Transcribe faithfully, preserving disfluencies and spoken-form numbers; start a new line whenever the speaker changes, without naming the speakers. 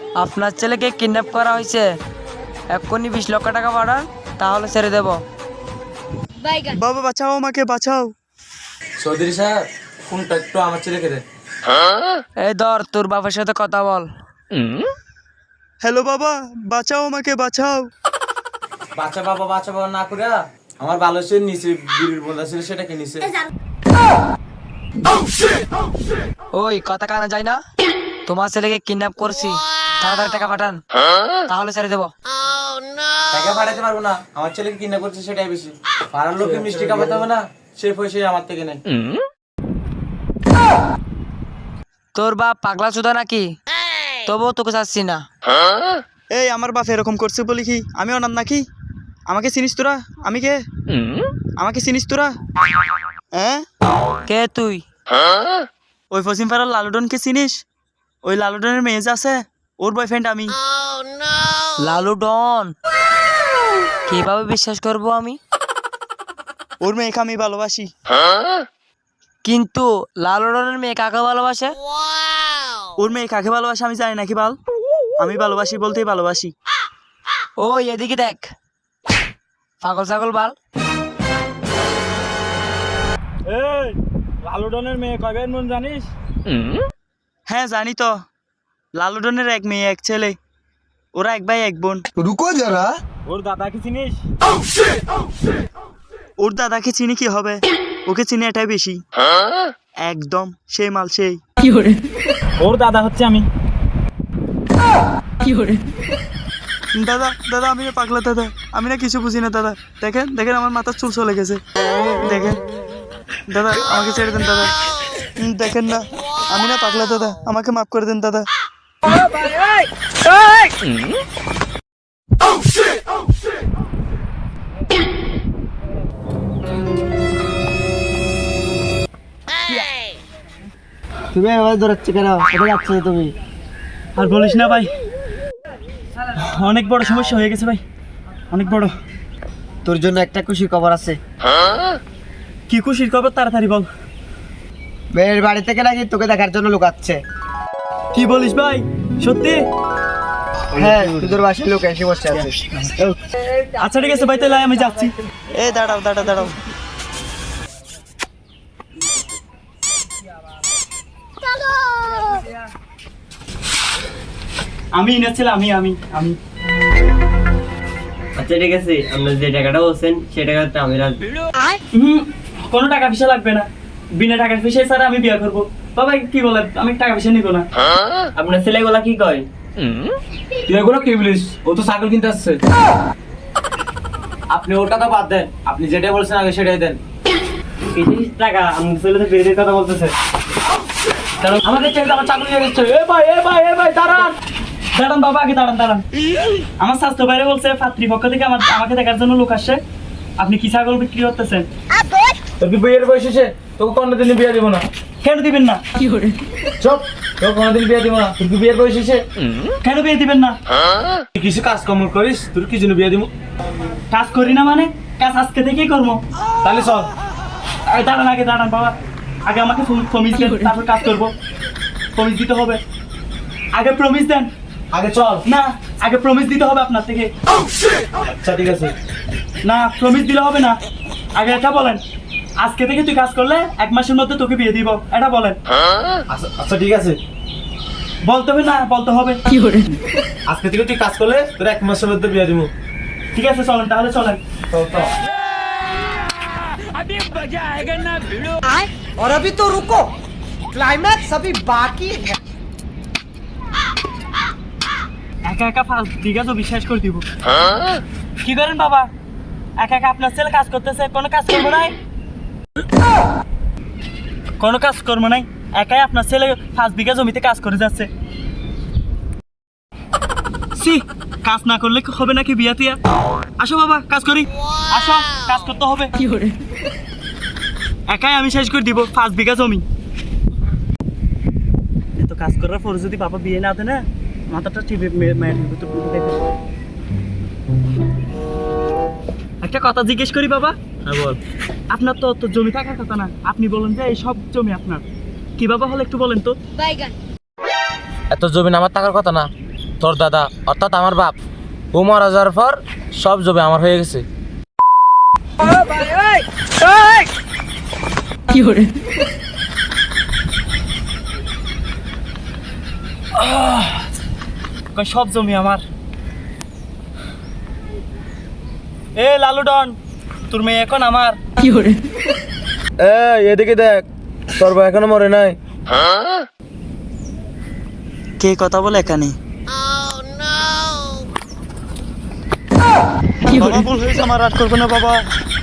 আপনার ছেলেকে কিডন্যাপ করা হয়েছে, এক্ষুনি বিশ লক্ষ টাকা পাঠান, তাহলে ছেড়ে দেব।
বাবা বাঁচাও, আমাকে বাঁচাও।
চৌধুরী সাহেব, ফোনটা একটু আমার ছেলেকে দেন।
এই ধর, তোর বাবার সাথে কথা বল।
হ্যালো বাবা, বাঁচাও, আমাকে বাঁচাও।
বাচ্চা বাবা বাচ্চা বাবা না করে আমার ভালো সে নিচে বিড়ির বন্ধা ছিল সেটাকে নিচে।
ওই কথা কানা যায় না, তোমার ছেলেকে কিডন্যাপ করছি, তাড়াতাড়ি টাকা পাঠান, তাহলে ছেড়ে দেবো।
টাকা পাঠাতে পারবো না, আমার ছেলেকে কিনা করছে সেটাই বেশি। পাড়ার লোককে মিষ্টি খাওয়াতে হবে না, সে পয়সা আমার থেকে নেই।
তোর বাপ পাগলা চোদা নাকি? তবুও তোকে চাচ্ছি না।
এই আমার বাপ এরকম করছে বলি কি আমি অনাথ নাকি? আমাকে চিনিস তোরা? আমি কে? আমাকে চিনিস তোরা? হ্যাঁ,
কে তুই?
ওই পশ্চিম পাড়ার লালুডনকে চিনিস? ওই লালুডনের মেয়ে যে আছে, ওর বয়ফ্রেন্ড আমি।
লালু ডন? কিভাবে বিশ্বাস করব আমি?
ওর মেয়েকে আমি ভালোবাসি।
কিন্তু লালু ডনের মেয়ে কাকে ভালোবাসে?
ওর মেয়ে কাকে ভালোবাসে আমি জানি নাকি বাল? আমি ভালোবাসি বলতেই ভালোবাসি।
ও এদিকে দেখ, পাগল ছাগল বাল।
এই লালুডনের মেয়ে কবে মন জানিস?
হ্যাঁ জানি তো, লালুডনের এক মেয়ে এক ছেলে, ওরা এক ভাই এক বোন।
रुको जरा।
ওর দাদা কি চিনিস?
ওর দাদাকে চিনি কি হবে, ওকে চিনি এটাই বেশি। একদম সেই মাল সেই।
ওর দাদা হচ্ছে আমি।
দাদা দাদা আমি না পাগলা দাদা, আমি না কিছু বুঝি না দাদা। দেখেন দেখেন আমার মাথার চুল চলে গেছে, দেখেন দাদা আমাকে ছেড়ে দেন দাদা। উম, দেখেন না আমি না পাগলা দাদা, আমাকে মাফ করে দেন দাদা।
তুমি এভাবে দৌড়াচ্ছ কেন? কোথায় যাচ্ছ তুমি?
আর বলিস না ভাই, অনেক বড় সমস্যা হয়ে গেছে ভাই, অনেক বড়।
তোর জন্য একটা খুশি খবর আছে।
কি খুশির খবর, তাড়াতাড়ি বল।
মেয়ের বাড়ি থেকে নাকি তোকে দেখার জন্য লুকাচ্ছে।
কি বলিস ভাই, সত্যি?
হ্যাঁ, তোদের বাসায় লোক এসে বসে আছে।
আচ্ছা ঠিক আছে ভাই, তাহলে আমি যাচ্ছি। এ দাঁড়াও দাঁড়াও দাঁড়াও, আমি এনেছিলাম, আমি আমি আমি
আচ্ছা ঠিক আছে, আপনার যে টাকাটা বলছেন সেই টাকাটা আমি রাখবো।
হুম, কোনো টাকা পয়সা লাগবে না, বিনা টাকা পয়সায় স্যার আমি বিয়ে করবো। বাবা কি বলে, আমি টাকা পয়সা নিব না।
আপনার ছেলেগুলা কি কয়?
তুই এগুলো কি বলিস? ও তো ছাগল কিনতে আসছে। আপনি ওর কথা বাদ দেন, আপনি যেটা বলছেন আগে সেটাই দেন।
তিরিশ টাকা আপনার ছেলে তো বেরিয়ে কথা বলতেছে।
আমাদের ছেলে আমার চাকরি হয়ে গেছে। এ ভাই এ ভাই এ ভাই দাঁড়ান দাঁড়ান বাবা, আগে দাঁড়ান দাঁড়ান। আমার স্বাস্থ্য বাইরে বলছে পাত্রীপক্ষ থেকে আমার আমাকে দেখার জন্য লোক আসছে। আপনি কি ছাগল বিক্রি করতেছেন?
তোর কি বিয়ের বয়স এসে? তোকে কোনোদিন বিয়ে দিব না।
কেন দিবেন না?
চুপ, তোকে কোনোদিন বিয়ে দিব না। তোর কি বিয়ের বয়স এসে?
কেন বিয়ে দিবেন না?
তুই কিছু কাজ কর্ম করিস, তোর কি জন্য বিয়ে দিব?
কাজ করি না মানে? কাজ আজকে থেকেই করবো।
তাহলে চল।
আগে দাঁড়ান, আগে দাঁড়ান বাবা, আগে আমাকে প্রমিস দেন, তারপর কাজ করবো। প্রমিস দিতে হবে, আগে প্রমিস দেন।
আগে চল।
না, আগে প্রমিস দিতে হবে আপনার থেকে।
আচ্ছা ঠিক আছে।
না, প্রমিস দিলে হবে না, আগে এটা বলেন। আজকে থেকে তুই কাজ করলে এক মাসের মধ্যে তোকে বিয়ে দিব, এটা বলেন।
আচ্ছা আচ্ছা ঠিক আছে,
বলতে হবে না, বলতে হবে।
আজকে থেকে তুই কাজ করলে তোর এক মাসের মধ্যে বিয়ে দিব।
ঠিক আছে চলেন, তাহলে চলেন।
চল চল।
और अभी तो रुको, क्लाइमैक्स अभी बाकी है।
একা একা পাঁচ বিঘা তো বিশ্বাস করে দিব। কি করেন বাবা, একা একা আপনার ছেলে কাজ করতেছে, কোনো কাজ করবো নাই, কোনো কাজ করবো নাই, একাই আপনার ছেলে পাঁচ বিঘা জমিতে কাজ করে যাচ্ছে। সি, কাজ না করলে হবে নাকি বিয়া টিয়া? আসো বাবা কাজ করি, আসো কাজ করতে হবে। কি করে একাই আমি শেষ করে দিব পাঁচ বিঘা জমি। এত কাজ করার পর যদি বাবা বিয়ে না দেয় না, মাথাটা টিপে মেয়ের ভিতর দেখে। একটা কথা জিজ্ঞেস করি বাবা।
হ্যাঁ বল।
আপনার তো তো জমি থাকার কথা না, আপনি বলেন যে এই সব জমি আপনার, কিভাবে হলো একটু বলেন তো।
এত জমি আমার থাকার কথা না, তোর দাদা অর্থাৎ আমার বাপ ও মারা যাওয়ার পর সব জমি আমার হয়ে গেছে।
সব জমি আমার। এ লালু ডন, তোর মেয়ে এখন আমার।
এই এদিকে দেখ, তোর ভাই এখনো মরে নাই।
কে কথা বলে এখানে? বাবা ভুল হয়েছে, আমার রাগ করবে না বাবা।